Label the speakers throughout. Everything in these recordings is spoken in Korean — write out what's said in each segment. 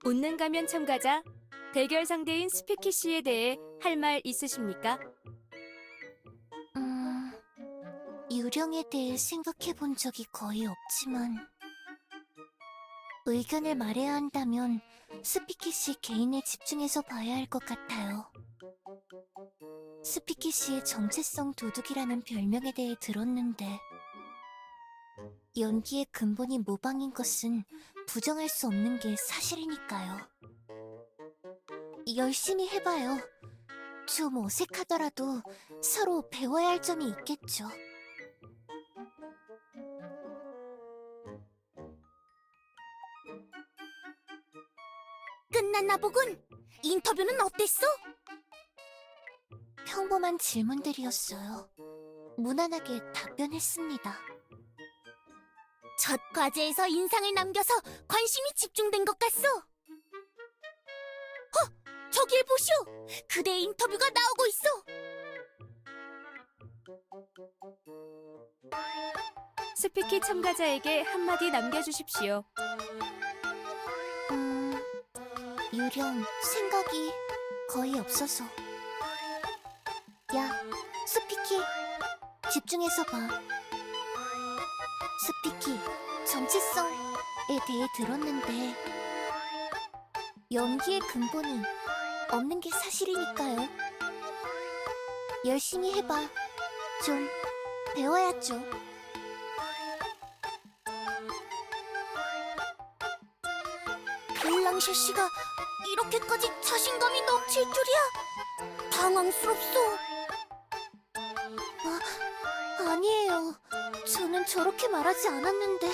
Speaker 1: 웃는 가면 참가자, 대결 상대인 스피키 씨에 대해 할 말 있으십니까?
Speaker 2: 유령에 대해 생각해 본 적이 거의 없지만 의견을 말해야 한다면 스피키 씨 개인에 집중해서 봐야 할 것 같아요. 스피키 씨의 정체성 도둑이라는 별명에 대해 들었는데 연기의 근본이 모방인 것은 부정할 수 없는 게 사실이니까요. 열심히 해봐요. 좀 어색하더라도 서로 배워야 할 점이 있겠죠. 끝났나 보군. 인터뷰는 어땠어? 평범한 질문들이었어요. 무난하게 답변했습니다. 첫 과제에서 인상을 남겨서 관심이 집중된 것 같소. 저길 보시오. 그대의 인터뷰가 나오고 있어.
Speaker 1: 스피키 참가자에게 한마디 남겨주십시오.
Speaker 2: 유령, 생각이 거의 없어서. 야, 스피키, 집중해서 봐. 스피키, 정체성에 대해 들었는데 연기의 근본이 없는 게 사실이니까요. 열심히 해봐. 좀 배워야죠. 블랑셰 씨가 이렇게까지 자신감이 넘칠 줄이야. 당황스럽소. 아니에요. 저는 저렇게 말하지 않았는데.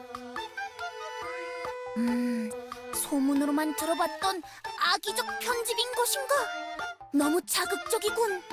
Speaker 2: 소문으로만 들어봤던 악의적 편집인 것인가? 너무 자극적이군.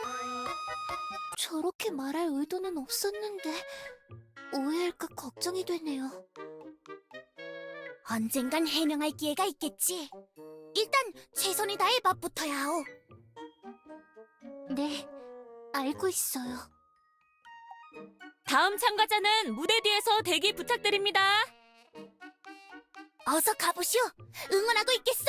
Speaker 2: 저렇게 말할 의도는 없었는데 오해할까 걱정이 되네요. 언젠간 해명할 기회가 있겠지. 일단 최선을 다해 맛부터야 하오. 네, 알고 있어요.
Speaker 1: 다음 참가자는 무대 뒤에서 대기 부탁드립니다.
Speaker 2: 어서 가보시오. 응원하고 있겠소.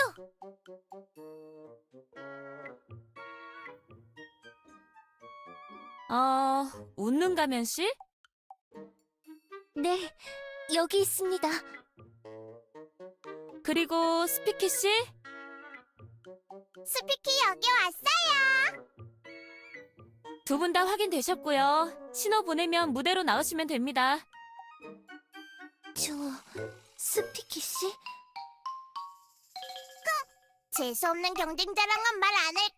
Speaker 1: 웃는 가면 씨?
Speaker 2: 네, 여기 있습니다.
Speaker 1: 그리고 스피키 씨?
Speaker 2: 스피키 여기 왔어요.
Speaker 1: 두 분 다 확인되셨고요. 신호 보내면 무대로 나오시면 됩니다.
Speaker 2: 저... 스피키 씨?
Speaker 3: 재수없는 경쟁 자랑은 말 안 할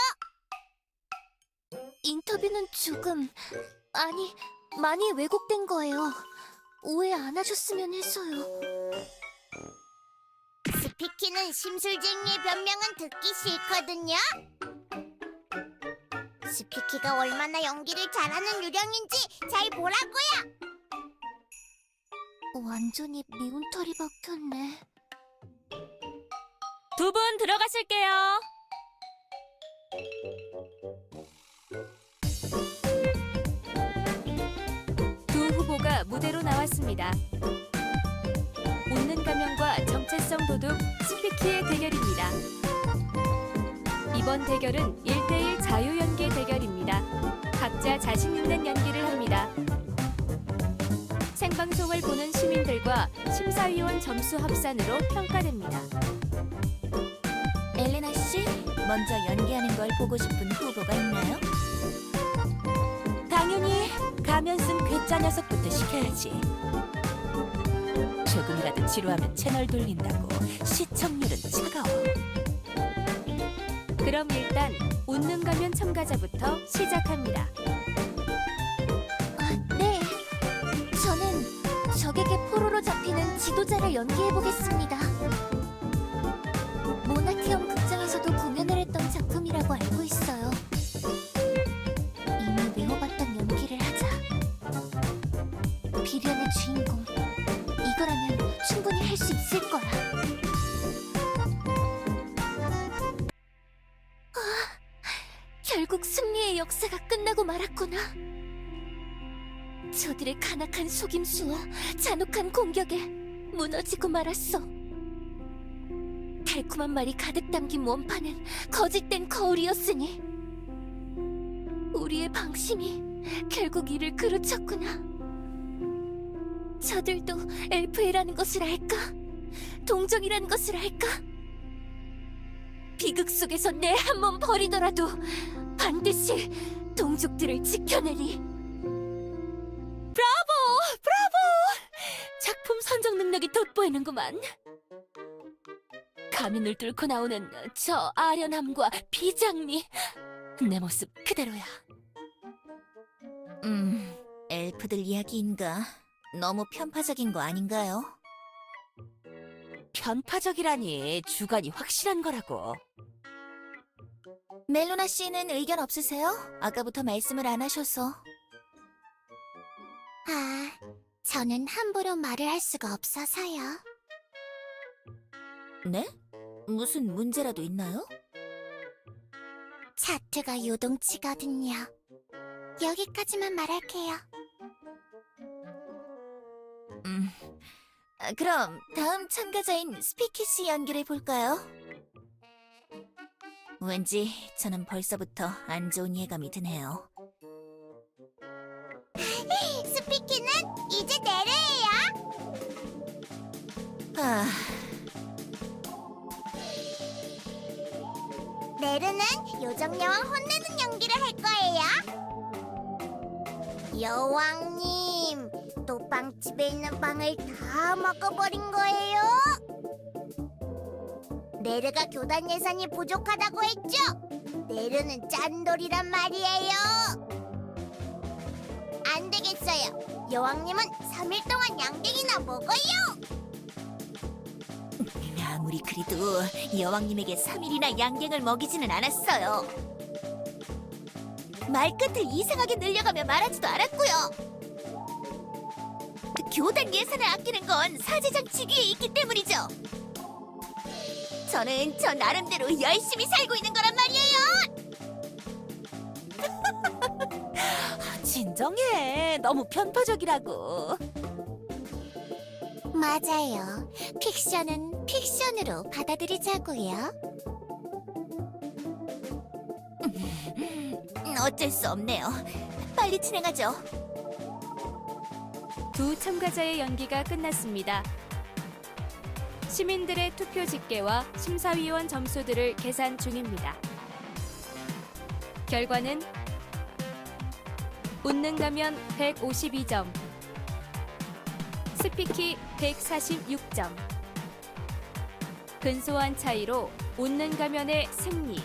Speaker 3: 거예요.
Speaker 2: 인터뷰는 조금... 아니, 많이 왜곡된 거예요. 오해 안 하셨으면 해서요.
Speaker 3: 스피키는 심술쟁이의 변명은 듣기 싫거든요. 스피키가 얼마나 연기를 잘하는 유령인지 잘 보라고요.
Speaker 2: 완전히 미운 털이 박혔네.
Speaker 1: 두 분 들어가실게요. 두 후보가 무대로 나왔습니다. 웃는 가면과 정체성 도둑 스피키의 대결입니다. 이번 대결은 1대1 자유 연기 대결입니다. 각자 자신 있는 연기를 합니다. 생방송을 보는 시민들과 심사위원 점수 합산으로 평가됩니다.
Speaker 2: 엘레나 씨, 먼저 연기하는 걸 보고 싶은 후보가 있나요?
Speaker 1: 당연히 가면 쓴 괴짜 녀석부터 시켜야지. 조금이라도 지루하면 채널 돌린다고 시청률은 차가워. 그럼 일단 웃는 가면 참가자부터 시작합니다.
Speaker 2: 네. 저는 적에게 포로로 잡히는 지도자를 연기해보겠습니다. 모나티엄 극장에서도 공연을 했던 작품이라고 알고 있어요. 이미 외워봤던 연기를 하자. 비련의 주인공. 이거라면 충분히 할 수 있을 거야. 결국 승리의 역사가 끝나고 말았구나. 저들의 간악한 속임수와 잔혹한 공격에 무너지고 말았어. 달콤한 말이 가득 담긴 원판은 거짓된 거울이었으니 우리의 방심이 결국 이를 그르쳤구나. 저들도 엘프이라는 것을 알까? 동정이라는 것을 알까? 비극 속에서 내 한 몸 버리더라도 반드시 동족들을 지켜내리. 브라보! 브라보! 작품 선정 능력이 돋보이는구만. 가면을 뚫고 나오는 저 아련함과 비장미, 내 모습 그대로야.
Speaker 3: 엘프들 이야기인가? 너무 편파적인 거 아닌가요?
Speaker 1: 편파적이라니 주관이 확실한 거라고.
Speaker 3: 멜로나 씨는 의견 없으세요? 아까부터 말씀을 안 하셔서.
Speaker 2: 저는 함부로 말을 할 수가 없어서요.
Speaker 3: 네? 무슨 문제라도 있나요?
Speaker 2: 차트가 요동치거든요. 여기까지만 말할게요.
Speaker 3: 그럼 다음 참가자인 스피키 씨 연결해 볼까요? 왠지 저는 벌써부터 안 좋은 예감이 드네요. 스피키는 이제 내려예요. 내르는 요정여왕 혼내는 연기를 할 거예요. 여왕님, 또 빵집에 있는 빵을 다 먹어버린 거예요? 네르가 교단 예산이 부족하다고 했죠? 네르는 짠돌이란 말이에요. 안 되겠어요. 여왕님은 3일 동안 양갱이나 먹어요. 아무리 그래도 여왕님에게 3일이나 양갱을 먹이지는 않았어요. 말끝을 이상하게 늘려가며 말하지도 않았고요. 교단 예산을 아끼는 건 사제장 직위에 있기 때문이죠. 저는 저 나름대로 열심히 살고 있는 거란 말이에요.
Speaker 1: 진정해. 너무 편파적이라고.
Speaker 2: 맞아요. 픽션은 픽션으로 받아들이자고요.
Speaker 3: 어쩔 수 없네요. 빨리 진행하죠.
Speaker 4: 두 참가자의 연기가 끝났습니다. 시민들의 투표 집계와 심사위원 점수들을 계산 중입니다. 결과는 웃는 가면 152점, 스피키 146점. 근소한 차이로 웃는 가면의 승리.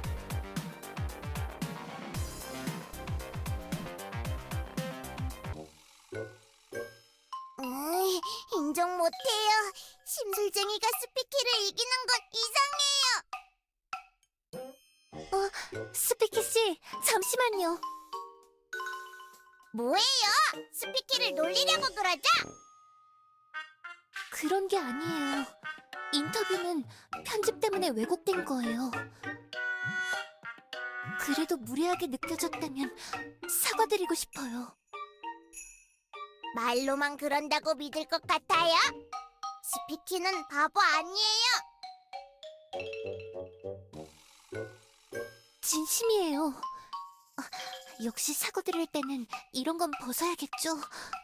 Speaker 3: 인정 못해요. 심술쟁이가 스피키를 이기는 건 이상해요.
Speaker 2: 스피키 씨, 잠시만요.
Speaker 3: 뭐예요? 스피키를 놀리려고 그러죠?
Speaker 2: 그런 게 아니에요. 인터뷰는 편집 때문에 왜곡된 거예요. 그래도 무례하게 느껴졌다면 사과드리고 싶어요.
Speaker 3: 말로만 그런다고 믿을 것 같아요? 스피키는 바보 아니에요.
Speaker 2: 진심이에요. 역시 사과드릴 때는 이런 건 벗어야겠죠.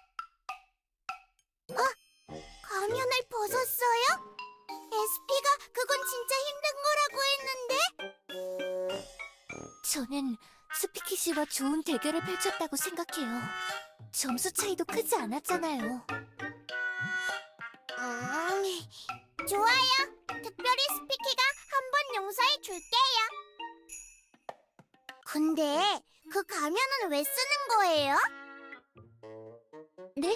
Speaker 3: 가면을 벗었어요? SP가 그건 진짜 힘든 거라고 했는데?
Speaker 2: 저는 스피키 씨와 좋은 대결을 펼쳤다고 생각해요. 점수 차이도 크지 않았잖아요.
Speaker 3: 좋아요. 특별히 스피키가 한 번 용서해 줄게요. 근데 그 가면은 왜 쓰는 거예요?
Speaker 2: 네?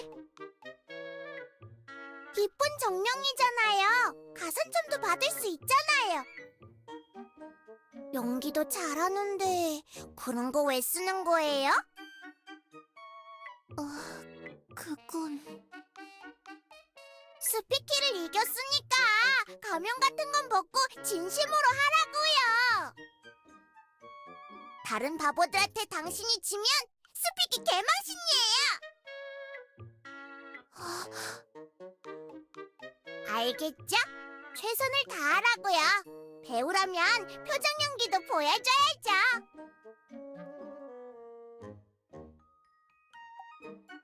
Speaker 3: 이쁜 정령이잖아요. 가산점도 받을 수 있잖아요. 연기도 잘하는데 그런 거 왜 쓰는 거예요?
Speaker 2: 그건...
Speaker 3: 스피키를 이겼으니까 가면 같은 건 벗고 진심으로 하라고요. 다른 바보들한테 당신이 지면 스피키 개망신이에요. 알겠죠? 최선을 다하라고요. 배우라면 표정 연기도 보여줘야죠.